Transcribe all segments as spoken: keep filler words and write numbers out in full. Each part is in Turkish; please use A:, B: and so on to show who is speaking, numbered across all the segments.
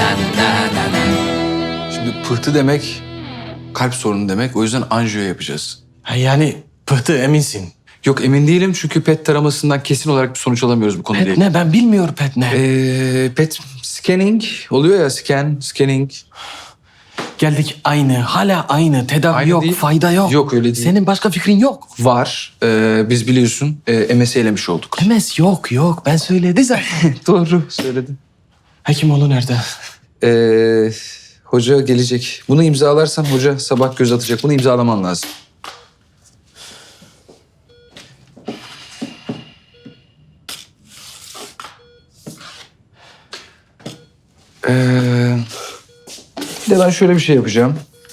A: Şimdi pıhtı demek kalp sorunu demek. O yüzden anjiyo yapacağız.
B: Ha, yani pıhtı eminsin.
A: Yok emin değilim çünkü pet taramasından kesin olarak bir sonuç alamıyoruz bu konuyla
B: Pet
A: ilgili.
B: ne? Ben bilmiyorum pet ne.
A: Ee, pet scanning oluyor ya, scan, scanning.
B: Geldik aynı. Hala aynı. Tedavi
A: Aynı
B: yok.
A: değil.
B: Fayda yok.
A: Yok, öyle değil.
B: Senin başka fikrin yok.
A: Var. Ee, biz biliyorsun e, M S elemiş olduk.
B: M S yok yok. Ben söyledi zaten.
A: Doğru söyledin.
B: Hekimoğlu nerede?
A: Ee, hoca gelecek. Bunu imzalarsan hoca sabah göz atacak. Bunu imzalaman lazım. Ee, bir de ben şöyle bir şey yapacağım.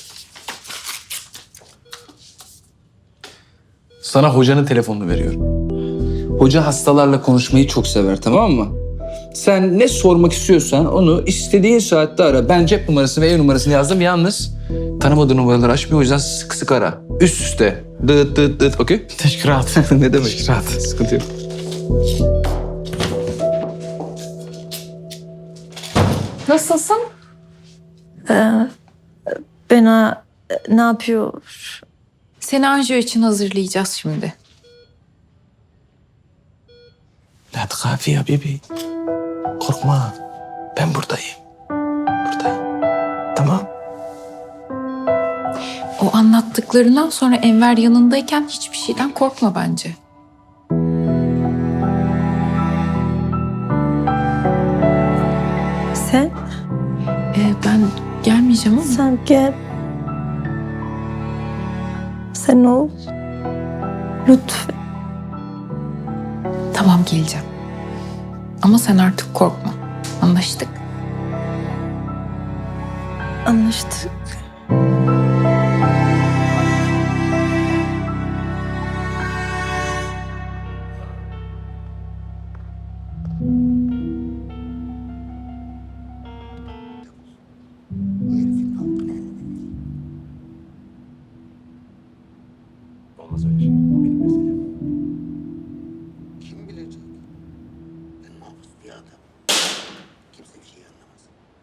A: Sana hocanın telefonunu veriyorum. Hoca hastalarla konuşmayı çok sever, tamam mı? Sen ne sormak istiyorsan onu istediğin saatte ara. Ben cep numarası ve ev numarasını yazdım. Yalnız tanımadığı numaraları açmıyor. O yüzden sık sık ara. Üst üste. Dıt dıt dıt. Okey?
B: Teşkirat.
A: Ne demek?
B: Teşkirat.
A: Sıkıntı yok.
C: Nasılsın?
D: Bana ne yapıyor?
C: Seni anjiyo için hazırlayacağız şimdi.
B: La tkafi ya bebi. Korkma. Ben buradayım. Buradayım. Tamam.
C: O anlattıklarından sonra Enver yanındayken hiçbir şeyden korkma bence.
D: Sen?
C: Ee, ben gelmeyeceğim ama
D: Sen gel. Sen ol. Lütfen.
C: tamam geleceğim. Ama sen artık korkma. Anlaştık.
D: Anlaştık.
B: Olmaz öyle şey. Benim meselem.
E: Kim bilecek? Ben mahpus bir adam. Kimse bir şey anlamaz.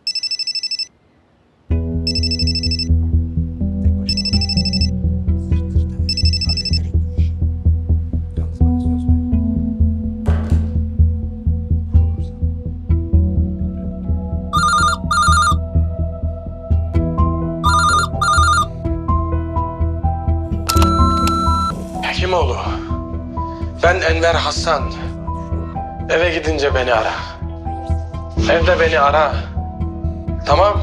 B: Tek başına olmaz.
E: Sırtır da verir. Hallederek bu işi.
B: Yalnız bana söz ver. Vurulursan beni bırak. Hekimoğlu. Ben Enver Hasan. Eve gidince beni ara. Evde beni ara. Tamam.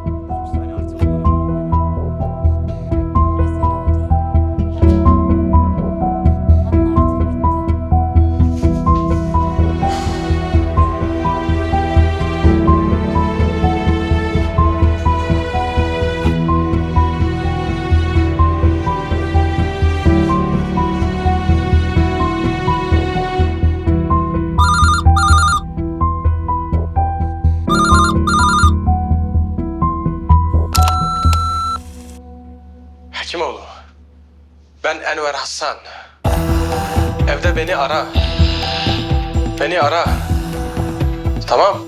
B: Hekimoğlu. Ben Enver Hasan. Evde beni ara. Beni ara. Tamam.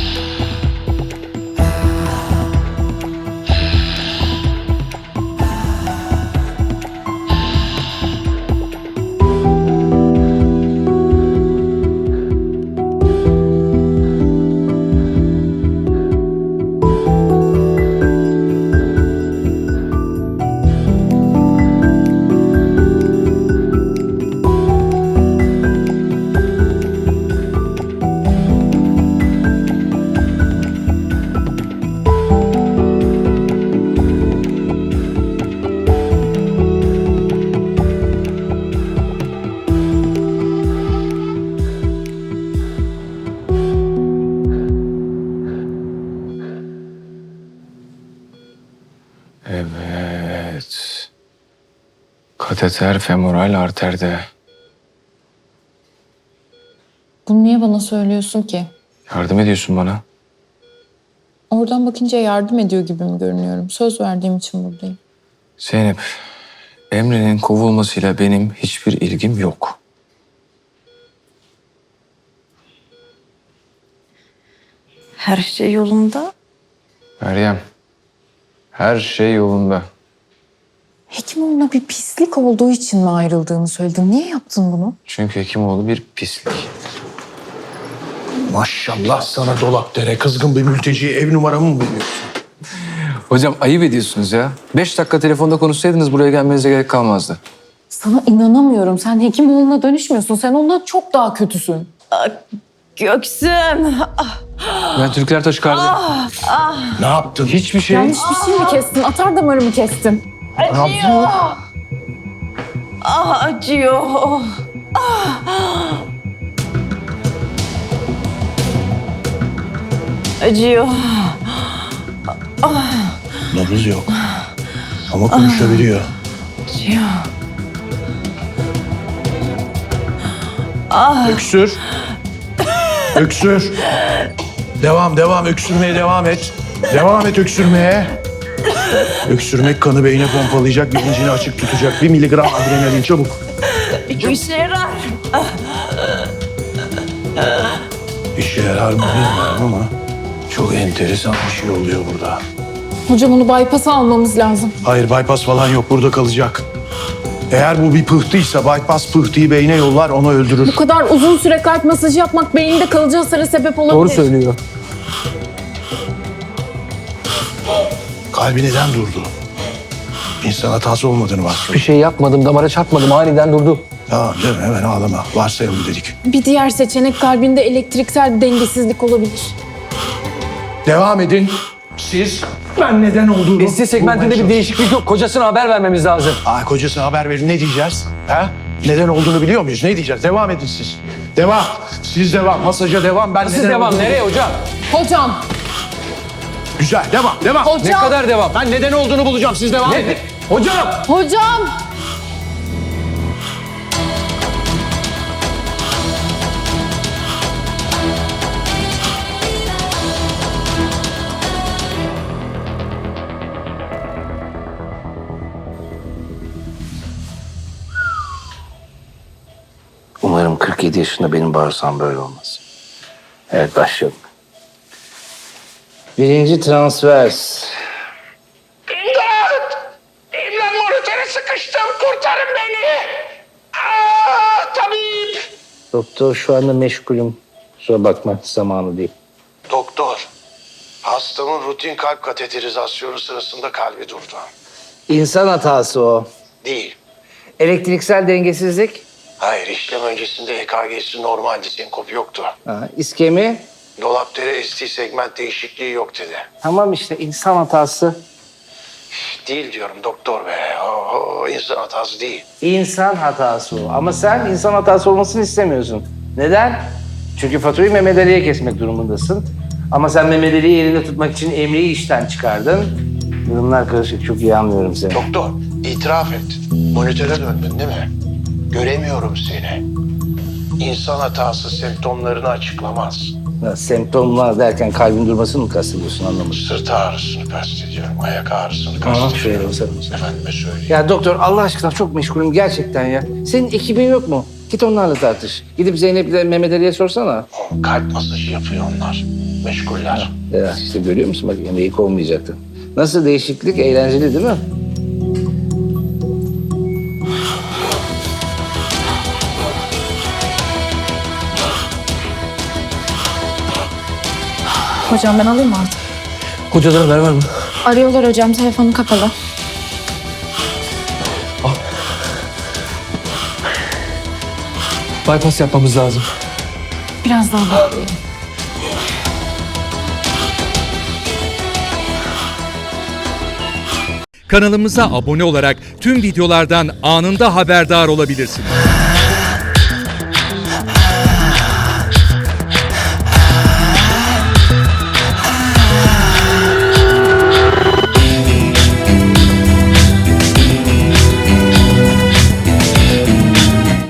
B: Evet. Kateter femoral arterde.
C: Bunu niye bana söylüyorsun ki?
A: Yardım ediyorsun bana.
C: Oradan bakınca yardım ediyor gibi mi görünüyorum? Söz verdiğim için buradayım.
A: Zeynep, Emre'nin kovulmasıyla benim hiçbir ilgim yok.
D: Her şey yolunda.
A: Meryem, her şey yolunda.
C: Hekimoğlu'na bir pislik olduğu için mi ayrıldığını söyledin? Niye yaptın bunu?
A: Çünkü Hekimoğlu bir pislik.
F: Maşallah sana Dolapdere. Kızgın bir mülteciye ev numaramı mı veriyorsun?
A: Hocam ayıp ediyorsunuz ya. Beş dakika telefonda konuşsaydınız buraya gelmenize gerek kalmazdı.
C: Sana inanamıyorum. Sen Hekimoğlu'na dönüşmüyorsun. Sen ondan çok daha kötüsün.
D: Göksüm.
A: Ben Türkler taşı kardeşim.
F: Ne yaptın?
A: Hiçbir şey.
C: Yanlış bir şey mi kestin? Atar damarı mı kestin?
D: Acıyor. Ah acıyor. Ah. Acıyor.
F: Nabız yok. Ama konuşabiliyor.
D: Acıyor.
F: Öksür. Öksür. Devam, devam. Öksürmeye devam et. Devam et öksürmeye. Öksürmek kanı beyne pompalayacak, bilincini açık tutacak. Bir miligram adrenalin çabuk.
D: Bu işe yarar.
F: İşe yarar mı bilmiyorum ama çok enteresan bir şey oluyor burada.
C: Hocam onu bypass'a almamız lazım.
F: Hayır, bypass falan yok. Burada kalacak. Eğer bu bir pıhtıysa bypass pıhtıyı beyne yollar, onu öldürür.
C: Bu kadar uzun süre kalp masajı yapmak beyinde kalıcı hasara sebep olabilir.
A: Doğru söylüyor.
F: Kalbi neden durdu? İnsan hatası olmadığını varsayalım.
A: Bir şey yapmadım, damara çarpmadım. Aniden durdu.
F: Tamam canım, hemen ağlama. Varsayalım dedik.
C: Bir diğer seçenek kalbinde elektriksel bir dengesizlik olabilir.
F: Devam edin. Siz, ben neden olduğunu...
B: Esti segmentinde bir değişiklik yok. Kocasına haber vermemiz lazım.
F: Aa, kocasına haber verin. Ne diyeceğiz? Ha? Neden olduğunu biliyor muyuz? Ne diyeceğiz? Devam edin siz. Devam. Siz devam. Masaja devam. Ben
B: Siz
F: neden
B: devam.
F: olduğunu-
B: Nereye hocam?
C: Hocam,
F: Güzel. Devam. Devam.
C: hocam,
B: Ne kadar devam?
F: Ben neden olduğunu bulacağım. Siz devam edin.
B: Hocam!
C: hocam.
E: Umarım kırk yedi yaşında benim bağırsam böyle olmaz. Evet, başlayalım. Birinci transvers.
G: İmdat! İmdat, monitöre sıkıştım. Kurtarın beni. Aa, tabip.
E: Doktor şu anda meşgulüm. Kusura bakma, zamanı değil.
F: Doktor, hastamın rutin kalp kateterizasyonu sırasında kalbi durdu.
E: İnsan hatası o.
F: Değil.
E: Elektriksel dengesizlik.
F: Hayır, işlem öncesinde E K G'si normaldi. Senkop yoktu.
E: Ha, iskemi.
F: Dolapdere S T segment değişikliği yok dedi.
E: Tamam işte insan hatası.
F: Değil diyorum doktor be. O, o insan hatası değil.
E: İnsan hatası o. Ama sen insan hatası olmasını istemiyorsun. Neden? Çünkü faturayı Mehmet Ali'ye kesmek durumundasın. Ama sen Mehmet Ali'yi elinde tutmak için Emre'yi işten çıkardın. Durumlar karışık. Çok iyi anlıyorum seni.
F: Doktor, itiraf et. Monitöre döndün değil mi? Göremiyorum seni. İnsan hatası semptomlarını açıklamaz.
E: Ya, semptomlar derken kalbin durmasını mı kastediyorsun anlamadım.
F: Sırt ağrısını kastediyorum, ayak ağrısını
E: Aha,
F: kastediyorum.
E: şöyle olsa.
F: Efendime söyleyeyim.
E: Ya doktor Allah aşkına çok meşgulüm gerçekten ya. Senin ekibin yok mu? Git onlarla tartış. Gidip Zeynep'le Mehmet Ali'ye sorsana.
F: O kalp masajı yapıyor onlar. Meşguller.
E: Ya işte görüyor musun bak yemeği kovmayacaktı. Nasıl değişiklik? Eğlenceli değil mi?
C: Hocam ben alayım mı artık?
B: Hocadan haber var mı?
C: Arıyorlar hocam, telefonu kapalı.
B: Bypass yapmamız lazım.
C: Biraz daha bekleyelim.
H: Kanalımıza abone olarak tüm videolardan anında haberdar olabilirsiniz.